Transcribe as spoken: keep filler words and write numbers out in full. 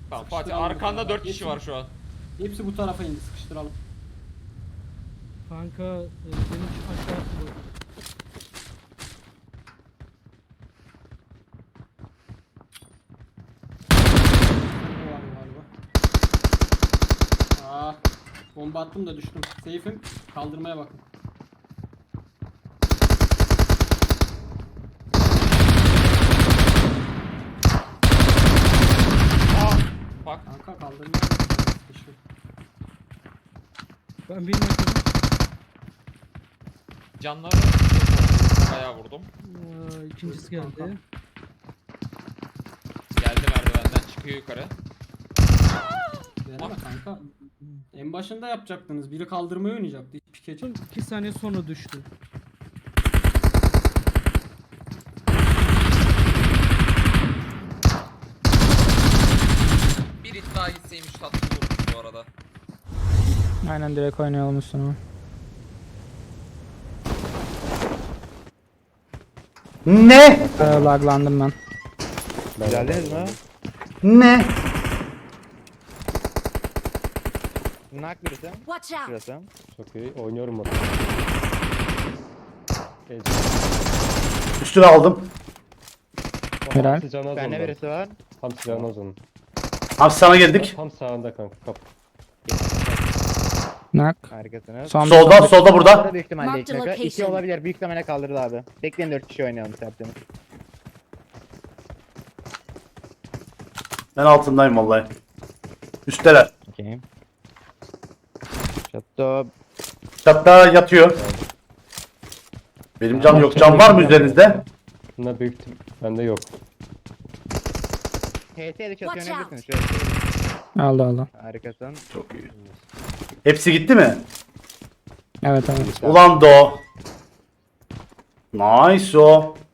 Tamam Fatih, Sıkıştıralım arkanda bu dört tarafa. kişi var şu an. Hepsi bu tarafa indi, sıkıştıralım. Kanka e, benim şu aşağı atıyor. O var galiba. Aa, bomba attım da düştüm. Seyfim, kaldırmaya bakın. Aa, bak Kanka kaldırmaya bakın. Sıkıştı. Ben bir metre. canları bayağı vurdum. Aa, ikincisi Kanka. geldi. Geldi merdivenden çıkıyor yukarı. Deneme kanka. En başında yapacaktınız. Biri kaldırmayı oynayacaktı. Hiç pikeci. iki saniye sonra düştü. Bir hit daha gitseymiş tatlı vurmuş bu arada. Aynen direkt oynayalım üstüne. Ne? Ee, laglandım ben. Geldiniz mi? Ne? Nak birisi. Watch out! Şurası. Çok iyi. Oynuyorum bak. Üstüne aldım. Helal. Hamsi canı az Bende ondan. birisi var. Hamsi canı az onun. Abi sana geldik. Tam sağında kanka kap. Nak. Harikasınız. Son Solda, solda burada. Burada büyük ihtimalle Marked iki dakika. İki location. olabilir. Büyük ihtimalle kaldırdı abi. Bekleyin dört kişi oynayalım tertemiz. Ben altındayım vallahi. Üstteler. Okey. Şato. Çatta yatıyor. Benim cam yok. Cam var mı üzerinizde? Bunda büyük ihtim- bende yok. H T'de çatı Watch oynayabilirsiniz. Şöyle. aldı aldı. Harikasın. Çok iyi. Hepsi gitti mi? Evet evet. Ulan do. Nice o.